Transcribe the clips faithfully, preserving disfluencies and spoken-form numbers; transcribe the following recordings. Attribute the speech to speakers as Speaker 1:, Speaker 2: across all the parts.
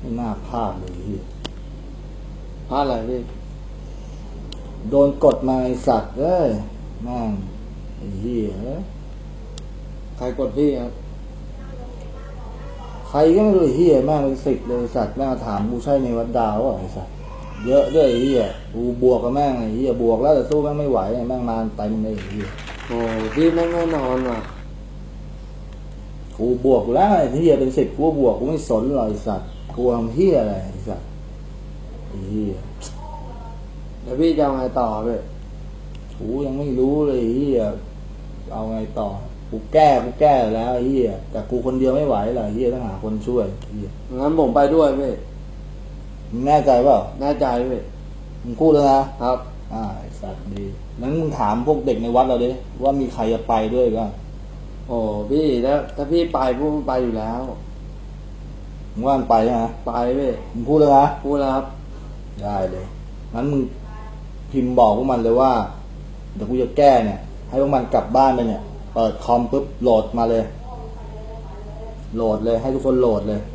Speaker 1: ไม่น่าพลาดเลยพี่
Speaker 2: พลาดอะไรพี่
Speaker 1: โดนกดมาไอสัตว์เอ้ยแม่งไอ้เหี้ย
Speaker 2: ใครกดพี่ครับ
Speaker 1: ใครก็ไม่รู้เหี้ยแม่งเป็นสิบเลยสัตว์แม่งถามกูใช่ในวัดดาวอ่ะไอสัตว์เยอะด้วยไอ้เหี้ยกูบวกกับแม่งไอ้เหี้ยบวกแล้วแต่สู้แม่งไม่ไหวแม่งมาเต็มเลยไอ้เหี้ย
Speaker 2: โอ้พี่แม่งแน่นอนว่ะ
Speaker 1: กูบวกแล้วไอ้เหี้ยเป็นสิบกูบวกกูไม่สนหรอกไอสัตว์กูทำเหี้ยอะไรไอสัตว์ไอ้เหี้ย
Speaker 2: แล้วพี่จะเอาไงต่อพี่
Speaker 1: กูยังไม่รู้เลยไอ้เหี้ยเอาไงต่อกูแก้กูแก้แล้วไอ้เหี้ยแต่กูคนเดียวไม่ไหวหรอกไอ้เหี้ยต้องหาคนช่วยไอ้เหี้ย
Speaker 2: งั้นผมไปด้วยพี่
Speaker 1: มึงแน่ใจเปล่า
Speaker 2: แน่ใจพี่
Speaker 1: มึงพูดแล้วนะครับอ่าไอ้สัตว์ดีนั้นมึงถามพวกเด็กในวัดเราดิว่ามีใครจะไปด้วยบ้าง
Speaker 2: โอ้พี่ถ้าถ้าพี่ไปพวกมันไปอยู่แล้ว
Speaker 1: มึงว่ามันไปใช่ไหม
Speaker 2: ไปพี่
Speaker 1: มึงพูดแล้วนะ
Speaker 2: พูดแล้วครับ
Speaker 1: ได้เลยงั้นมึงพิมพ์บอกพวกมันเลยว่าเดี๋ยวกูจะแก้เนี่ยให้พวกมันกลับบ้านไปเนี่ยเปิดคอมปุ๊บโหลดมาเลยโหลดเลยให้ทุกคนโหลดเลย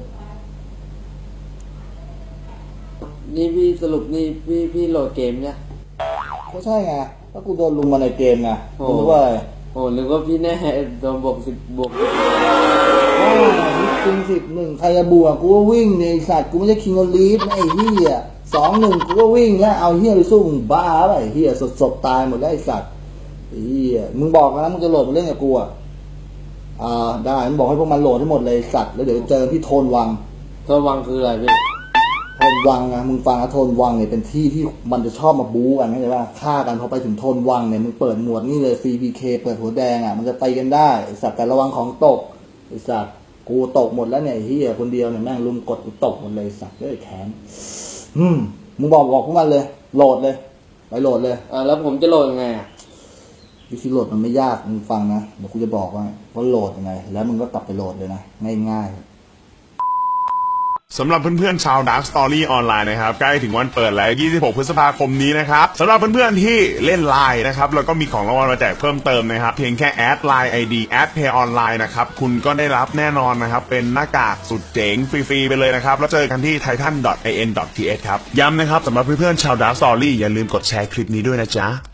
Speaker 2: นี่พี่สรุปนี่พี่พี่โหลดเกมเนี่ย
Speaker 1: ก็ใช่ไงถ้ากูโดนลุมมาในเกมไงกูนึกว่าอะไร
Speaker 2: โอ้นึกว่าพี่แน่โดนบวกสิบบวก
Speaker 1: อ้าวจริงสิบหนึ่งใครจะบวกกูก็วิ่งในสัตว์กูไม่ใช่คิงออลีฟนะไอ้เหี้ยสองหนึ่งกูก็วิ่งแล้วเอาเหี้ยไปสู้มึงบ้าไปไอ้เหี้ยสดๆตายหมดแล้วไอ้สัตว์ไอ้เหี้ยมึงบอกนะมึงจะโหลดมาเล่นกับกูอ่ะอ่าได้มึงบอกให้พวกมันโหลดให้หมดเลยสัตว์แล้วเดี๋ยวเจอที่โทนวัง
Speaker 2: โทนวังคืออะไรพี่
Speaker 1: โทนวังนะมึงฟังนะโทนวังเนี่ยเป็นที่ที่มันจะชอบมาบู๊กันเข้าใจป่ะฆ่ากันพอไปถึงโทนวังเนี่ยมึงเปิดหมวดนี่เลย ซี พี เค เปิดหัวแดงอ่ะมันจะไปกันได้ไอ้สัตว์แต่ระวังของตกไอ้สัตว์กูตกหมดแล้วเนี่ยไอ้เหี้ยคนเดียวเนี่ยแม่งลุมกดกูตกหมดเลยสัตว์เลยแขนอืมมึงบอกบอกพวกมันเลยโหลดเลยไปโหลดเลย
Speaker 2: อ่าแล้วผมจะโหลดยังไงอ่ะ
Speaker 1: วิธีโหลดมันไม่ยากมึงฟังนะเดี๋ยวกูจะบอกว่าว่าโหลดยังไงแล้วมึงก็กลับไปโหลดเลยนะง่ายๆ
Speaker 3: สำหรับเพื่อนๆชาว Dark Story ออนไลน์นะครับใกล้ถึงวันเปิดแล้วยี่สิบหกพฤษภาคมนี้นะครับสำหรับเพื่อนๆที่เล่น ไลน์ นะครับแล้วก็มีของรางวัลมาแจกเพิ่มเติมนะครับเพียงแค่แอด ไลน์ ไอ ดี แอด เพย์ ออนไลน์ นะครับคุณก็ได้รับแน่นอนนะครับเป็นหน้ากากสุดเจ๋งฟรีๆไปเลยนะครับแล้วเจอกันที่ ไททัน ดอท ไอ เอ็น ดอท ที เอช ครับย้ำนะครับสำหรับเพื่อนๆชาว Dark Story อย่าลืมกดแชร์คลิปนี้ด้วยนะจ๊ะ